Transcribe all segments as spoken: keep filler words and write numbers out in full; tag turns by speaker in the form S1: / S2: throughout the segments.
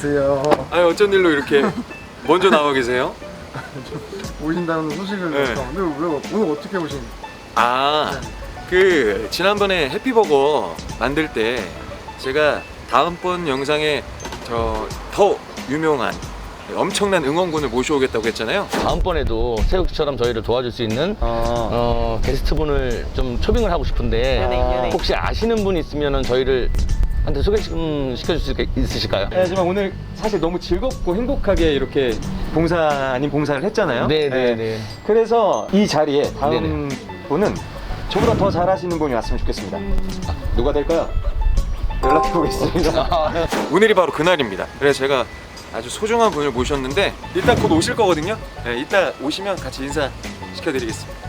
S1: 안녕하세요.
S2: 아니 어쩐 일로 이렇게 먼저 나와 계세요?
S1: 오신다는 소식을
S2: 네.
S1: 들었어. 근데 왜 오늘 어떻게 오신?
S2: 아, 그 지난번에 해피버거 만들 때 제가 다음번 영상에 저 더 유명한 엄청난 응원군을 모셔오겠다고 했잖아요.
S3: 다음번에도 새우처럼 저희를 도와줄 수 있는
S2: 어,
S3: 어, 게스트분을 좀 초빙을 하고 싶은데
S2: 연예인, 연예인.
S3: 혹시 아시는 분 있으면 저희를 한테 소개 좀 시켜줄 수 있으실까요?
S2: 네, 하지만 오늘 사실 너무 즐겁고 행복하게 이렇게 봉사 아닌 봉사를 했잖아요.
S3: 네네네. 네.
S2: 그래서 이 자리에 다음
S3: 네네.
S2: 분은 저보다 더 잘하시는 분이 왔으면 좋겠습니다. 아, 누가 될까요? 연락해 보겠습니다. 오늘이 바로 그날입니다. 그래서 제가 아주 소중한 분을 모셨는데 일단 곧 오실 거거든요. 네, 이따 오시면 같이 인사 시켜드리겠습니다.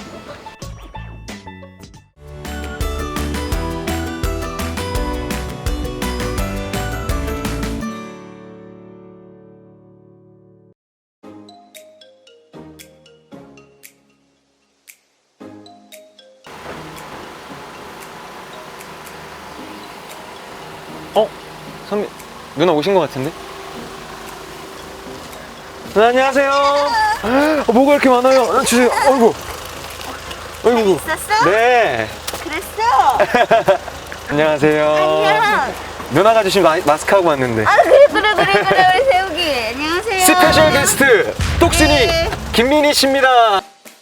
S2: 어? 선미 누나 오신 것 같은데? 누나 안녕하세요. 어, 뭐가 이렇게 많아요? 어, 주세요. 어이구. 어이구.
S4: 있었어?
S2: 네.
S4: 그랬어?
S2: 안녕하세요.
S4: 안녕.
S2: 누나가 주신 마, 마스크 하고 왔는데.
S4: 아 그래 그래 그래 그래 우리 세욱이 안녕하세요.
S2: 스페셜 게스트 똑순이
S4: 네.
S2: 김민희 씨입니다.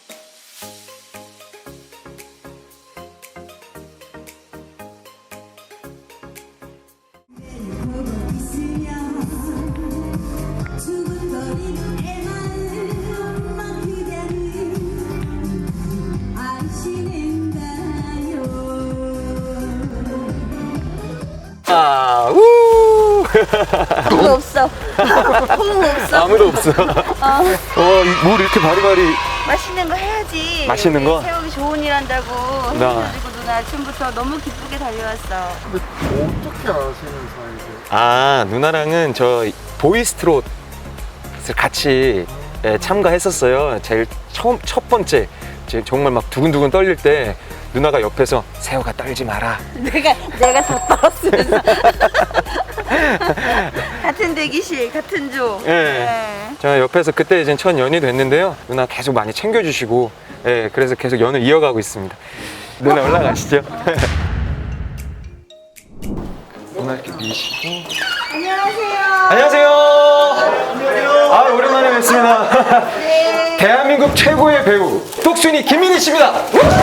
S2: 아, 우!
S4: 아무도 없어. 아무도 없어.
S2: 아무도 없어. 어, 이- 뭘 이렇게 바리바리.
S4: 맛있는 거 해야지.
S2: 맛있는
S4: 우리
S2: 거?
S4: 세욱이 좋은 일 한다고.
S2: 나.
S4: 해가지고 누나 아침부터 너무 기쁘게 달려왔어.
S1: 근데 어떻게 아시는 사이세요?
S2: 아, 누나랑은 저 보이스트롯을 같이 예, 참가했었어요. 제일 처음 첫 번째 제 정말 막 두근두근 떨릴 때 누나가 옆에서 세호가 떨지 마라.
S4: 내가 내가 다 떨었으면서. 같은 대기실 같은 조.
S2: 예.
S4: 네.
S2: 제가 옆에서 그때 이제 첫 연이 됐는데요. 누나 계속 많이 챙겨주시고, 예, 그래서 계속 연을 이어가고 있습니다. 누나 올라가시죠. 누나 이렇게 미시고.
S4: 안녕하세요.
S2: 안녕하세요. 아, 오랜만에 뵙습니다.
S4: 네.
S2: 대한민국 최고의 배우 똑순이 김민희 씨입니다.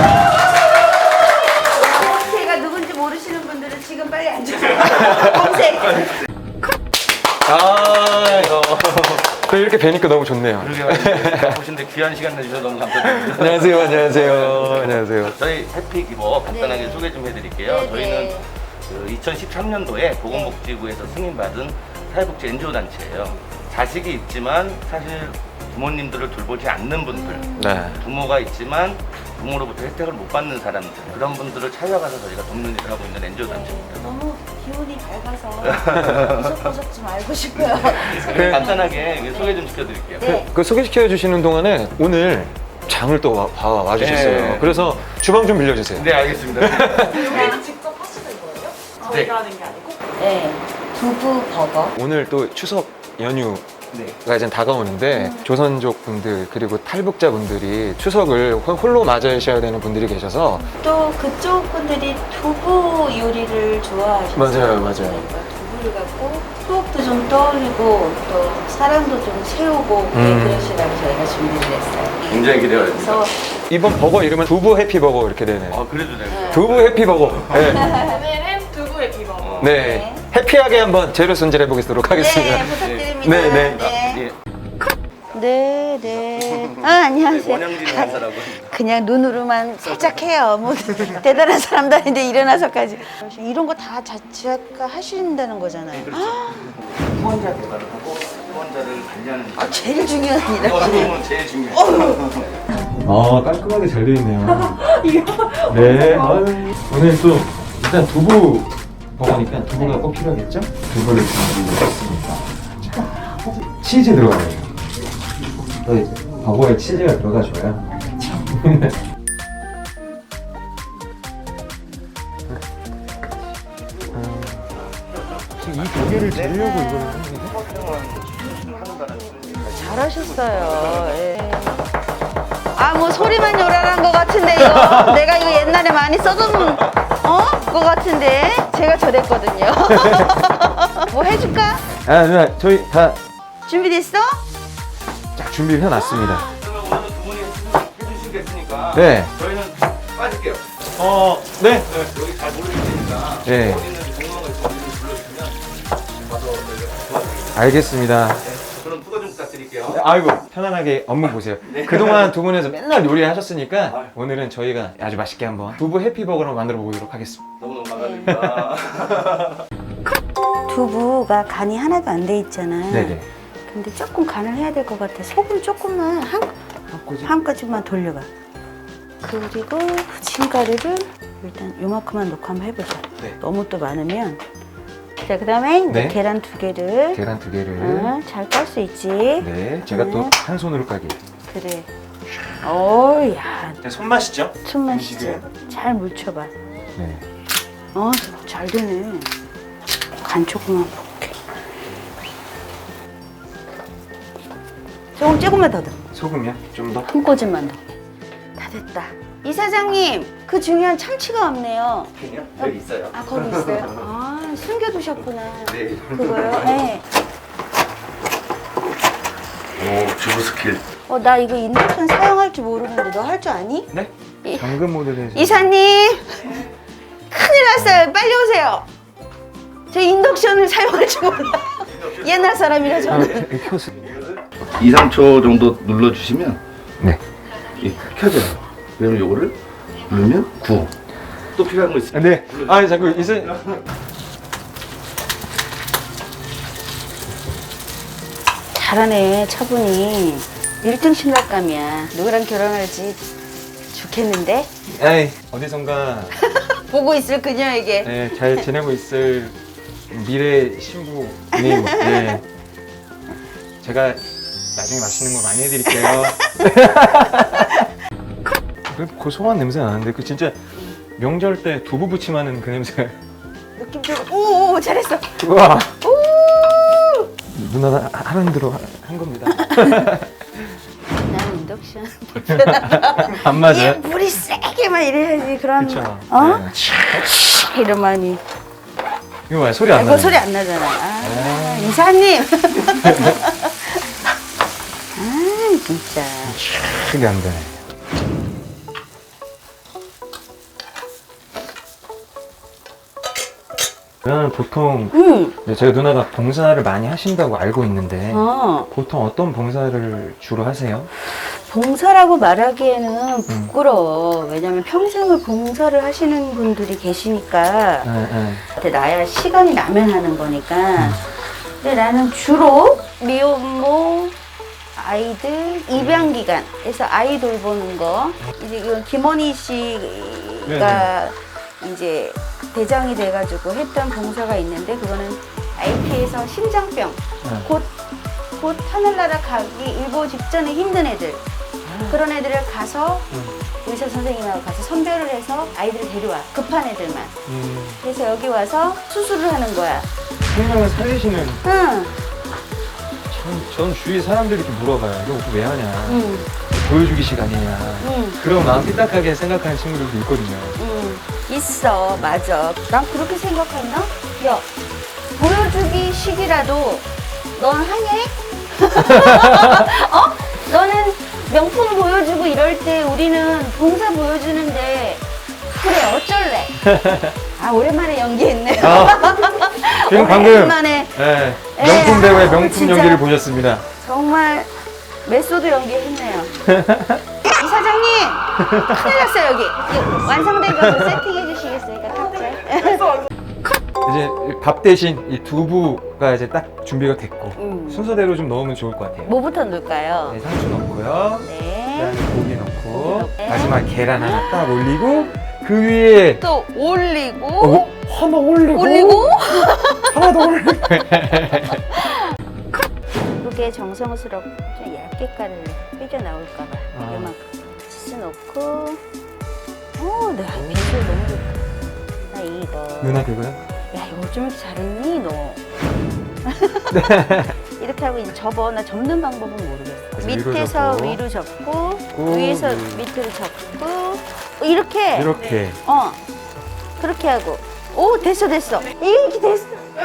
S4: 제가 누군지 모르시는 분들은 지금 빨리 앉으세요. 검색.
S2: 아, 이거. 또 이렇게 뵈니까 너무 좋네요.
S3: 보신데 귀한 시간 내주셔서 너무 감사드립니다.
S2: 안녕하세요, 안녕하세요, 안녕하세요.
S3: 저희 해피 기버 간단하게
S4: 네.
S3: 소개 좀 해드릴게요.
S4: 네,
S3: 저희는
S4: 네.
S3: 그 이천십삼 년도에 보건복지부에서 승인받은 사회복지 엔지오 단체예요. 자식이 있지만 사실 부모님들을 돌보지 않는 분들,
S2: 네.
S3: 부모가 있지만 부모로부터 혜택을 못 받는 사람들, 그런 분들을 찾아가서 저희가 돕는 일을 하고 있는 엔지오 단체입니다.
S4: 너무 기운이 밝아서 보석보석 좀 알고 싶어요.
S2: 그-
S3: 간단하게 소개 좀 시켜드릴게요.
S4: 네.
S2: 그 소개시켜 주시는 동안에 오늘 장을 또 와, 와, 와주셨어요.
S3: 네.
S2: 그래서 주방 좀 빌려주세요.
S3: 네, 알겠습니다.
S5: 여기는 직접 하시는 거예요? 저희가 하는 게 아니고?
S4: 네. 두부 버거.
S2: 오늘 또 추석 연휴
S3: 네.
S2: 가 이제 다가오는데 조선족 분들 그리고 탈북자 분들이 추석을 홀- 홀로 맞으셔야 되는 분들이 계셔서
S4: 또 그쪽 분들이 두부 요리를 좋아하시죠.
S2: 맞아요, 맞아요.
S4: 그러니까 두부를 갖고 추억도 좀 떠올리고 또 사랑도 좀 채우고 네,
S2: 음.
S4: 그러시라고 저희가 준비를 했어요.
S3: 굉장히 기대가
S4: 그래서
S2: 이번 버거 이름은 두부 해피버거 이렇게 되네요.
S3: 아, 그래도 돼요.
S2: 두부 해피버거. 네.
S5: 오늘은 두부의 비버.
S2: 네. 해피하게 한번 재료 손질해 보도록 하겠습니다.
S4: 네, 부탁드립니다.
S2: 네, 네.
S4: 네.
S3: 예.
S4: 네, 네. 아, 안녕하세요.
S3: 원영진 간사라고.
S4: 그냥 눈으로만 살짝 해요. 뭐 대단한 사람도 아닌데 일어나서까지. 이런 거 다 자체가 하신다는 거잖아요. 아,
S3: 후원자 개발을 하고 후원자를 관리하는 일.
S4: 아, 제일 중요한 일.
S3: 어, 지금은 제일 중요해요.
S2: 아, 깔끔하게 잘 되어 있네요. 네. 아유, 오늘 또 일단 두부 버거니까 두부가 꼭 필요하겠죠? 두부를 준비했습니다. 자, 치즈 들어가요. 또 이제 버거에 치즈가 들어가줘야. 이 두 개를 재려고 이걸 하는 거예요?
S4: 잘하셨어요. 예. 아, 뭐 소리만 요란한 것 같은데 이거 내가 이거 옛날에 많이 써둔 어? 것 같은데 제가 저랬거든요. 뭐 해줄까?
S2: 아 누나 저희 다
S4: 준비됐어?
S2: 딱 준비를 해놨습니다.
S3: 그러면 오늘 두 분이 해주- 해주시겠으니까
S2: 네.
S3: 저희는 빠질게요.
S2: 어, 네.
S3: 여기 잘 모르시니까
S2: 네.
S3: 어디 있는지 궁금한 거 있으면 이름 불러주시면 와서 저희가 도와드릴게요.
S2: 알겠습니다.
S3: 그럼 투거 좀 부탁드릴게요.
S2: 아이고 편안하게 업무 보세요. 그동안 두 분에서 맨날 요리하셨으니까 오늘은 저희가 아주 맛있게 한번 두부 해피버거로 만들어 보도록 하겠습니다.
S3: 너무너무 감사드립니다.
S4: 두부가 간이 하나도 안 돼 있잖아.
S2: 네네.
S4: 근데 조금 간을 해야 될 것 같아. 소금 조금만 한, 한 가지만 돌려봐. 그리고 후침가루를 일단 요만큼만 넣고 한번 해보자.
S2: 네.
S4: 너무 또 많으면. 자, 그 다음에
S2: 네.
S4: 계란 두 개를
S2: 계란 두 개를.
S4: 어, 잘 깔 수 있지.
S2: 네. 제가 또
S4: 네.
S2: 한 손으로 까기.
S4: 그래. 오, 야,
S2: 손맛이죠?
S4: 숨맛이지.
S2: 음식에.
S4: 잘 묻혀봐.
S2: 네.
S4: 어, 잘 되네. 간 조금만 볼게. 조금 조금만 더 넣어.
S2: 소금이요? 좀 더?
S4: 한 꼬집만 더. 다 됐다. 이 사장님, 그 중요한 참치가 없네요.
S3: 요 여기 있어요.
S4: 아, 거기 있어요? 아, 숨겨두셨구나.
S3: 네.
S4: 그거요? 네.
S3: 오, 주부 스킬.
S4: 어, 나 이거 인덕션 사용할 줄 모르는데 너 할 줄 아니?
S2: 네.
S4: 이-
S2: 당근 모델에서.
S4: 이사님! 큰일 났어요. 빨리 오세요. 저 인덕션을 사용할 줄 몰라. 옛날 사람이라
S2: 아,
S4: 저는.
S2: 네, 켜서.
S3: 이, 삼 초 정도 눌러주시면
S2: 네.
S3: 이 켜져요. 그러면 요거를 누르면 구워. 또 필요한 거 있어요?
S2: 네. 아, 자꾸 이사.
S4: 잘하네, 차분히. 일 등 신랑감이야. 누구랑 결혼할지 좋겠는데?
S2: 에이, 어디선가
S4: 보고 있을 그녀에게.
S2: 네, 잘 지내고 있을 미래 신부님. 네. 제가 나중에 맛있는 거 많이 해드릴게요. 그 고소한 냄새 나는데 그 진짜 명절 때 두부 부침하는 그 냄새.
S4: 느낌적으로. 오, 오, 잘했어.
S2: 우와.
S4: 오!
S2: 누나가 하는 대로 하- 한 겁니다.
S4: 나는 인덕션 불편하다.
S2: 안 맞아요?
S4: 이 불이 세게만 이래야지. 그럼.
S2: 그쵸.
S4: 어?
S2: 네.
S4: 이러만이.
S2: 이거 봐, 소리 안
S4: 이거
S2: 나네.
S4: 소리 안 나잖아. 아, 이사님. 아, 진짜.
S2: 소리 안 되네. 저는 보통
S4: 응.
S2: 네, 제가 누나가 봉사를 많이 하신다고 알고 있는데
S4: 어.
S2: 보통 어떤 봉사를 주로 하세요?
S4: 봉사라고 말하기에는 부끄러워. 왜냐면 평생을 봉사를 하시는 분들이 계시니까.
S2: 네, 네.
S4: 근데 나야 시간이 나면 하는 거니까. 근데 나는 주로 미혼모 아이들 입양 기간에서 아이 돌보는 거. 이제 이건 김원희 씨가 이제 대장이 돼가지고 했던 봉사가 있는데 그거는 아이피에서 심장병
S2: 네.
S4: 곧, 곧 하늘나라 가기 일보 직전에 힘든 애들 그런 애들을 가서 의사 선생님하고 가서 선별을 해서 아이들을 데려와 급한 애들만
S2: 음,
S4: 그래서 여기 와서 수술을 하는 거야.
S2: 생명을 살리시는.
S4: 응,
S2: 전, 전 주위 사람들이 이렇게 물어봐요. 이거 왜 하냐?
S4: 응,
S2: 보여주기식 아니냐?
S4: 응,
S2: 그럼 마음 삐딱하게 생각하는 친구들도 있거든요.
S4: 응. 있어, 맞아. 난 그렇게 생각했나? 야, 보여주기 식이라도 넌 하냐? 어? 너는 명품 보여주고 이럴 때 우리는 봉사 보여주는데 그래 어쩔래? 아 오랜만에 연기했네.
S2: 아, 지금 방금
S4: 오랜만에
S2: 네,
S4: 에,
S2: 명품 배우의
S4: 아,
S2: 명품
S4: 진짜.
S2: 연기를 보셨습니다.
S4: 정말 메소드 연기했네요. 이 사장님 큰일 났어요 여기. 이거 완성된 거 세팅해 주시겠어요? 탑재.
S2: 이제 밥 대신 이 두부가 이제 딱 준비가 됐고
S4: 음.
S2: 순서대로 좀 넣으면 좋을 것 같아요.
S4: 뭐부터 넣을까요?
S2: 네, 상추 넣고요.
S4: 네.
S2: 그다음에 고기 넣고
S4: 네.
S2: 마지막 계란 하나 딱 올리고 그 위에
S4: 또 올리고
S2: 어, 하나 올리고
S4: 올리고
S2: 하나 더 올리고
S4: 이게 정성스럽게 좀 얇게 가루를 삐져 나올까봐
S2: 아.
S4: 이만큼 치즈 넣고 어, 네 비주얼 너무 좋다. 나 이거
S2: 누나 그거요?
S4: 야 이거 좀 이렇게 잘했니 너? 이렇게 못하고 이제 접어. 나 접는 방법은 모르겠어.
S2: 그래서 위로
S4: 밑에서
S2: 접고.
S4: 위로 접고,
S2: 꾹.
S4: 위에서 밑으로 접고, 이렇게.
S2: 이렇게.
S4: 어, 그렇게 하고. 오, 됐어, 됐어. 이렇게 됐어.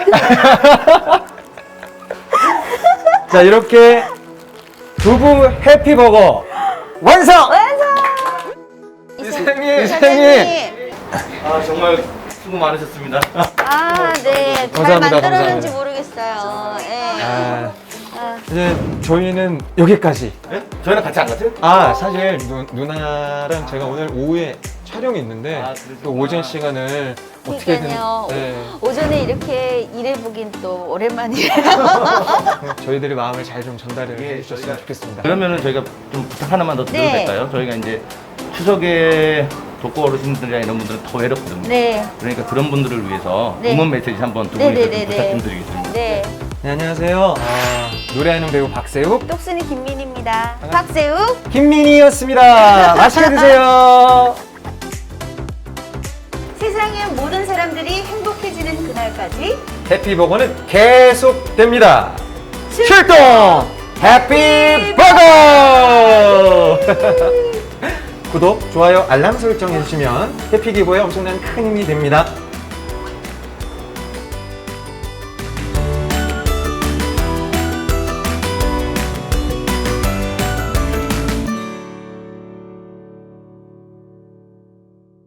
S2: 자, 이렇게 두부 해피버거 완성!
S4: 완성!
S2: 이사장님!
S4: 이사장님.
S3: 아 정말 수고 많으셨습니다.
S4: 아, 네. 잘
S2: 감사합니다,
S4: 만들었는지
S2: 감사합니다.
S4: 모르겠어요. 예.
S2: 아,
S4: 아,
S2: 이제 저희는 여기까지.
S3: 네? 저희랑 같이 안 갔어요?
S2: 아, 사실 누, 누나랑 제가 오늘 오후에 촬영이 있는데
S3: 아, 그러시구나.
S2: 또 오전 시간을 어떻게든
S4: 그러니까요.
S2: 네,
S4: 오전에 이렇게 일해보긴 또 오랜만이에요.
S2: 저희들의 마음을 잘 좀 전달을
S3: 예,
S2: 해주셨으면
S3: 저희가-
S2: 좋겠습니다.
S3: 그러면은 저희가 좀 부탁 하나만 더 드려도
S4: 네.
S3: 될까요? 저희가 이제 추석에 독거 어르신들이나 이런 분들은 더 외롭거든요.
S4: 네.
S3: 그러니까 그런 분들을 위해서
S4: 네.
S3: 응원 메시지 한번 두
S4: 네,
S3: 분이서
S4: 네,
S3: 좀
S4: 네,
S3: 부탁
S4: 네.
S3: 좀 드리겠습니다.
S4: 네.
S2: 네, 안녕하세요. 아, 노래하는 배우 박세욱
S4: 똑순이 김민입니다. 박세욱.
S2: 김민희였습니다. 맛있게 드세요.
S4: 세상의 모든 사람들이 행복해지는 그날까지
S2: 해피버거는 계속됩니다. 출동 해피버거! 구독, 좋아요, 알람 설정 해주시면 해피기부에 엄청난 큰 힘이 됩니다.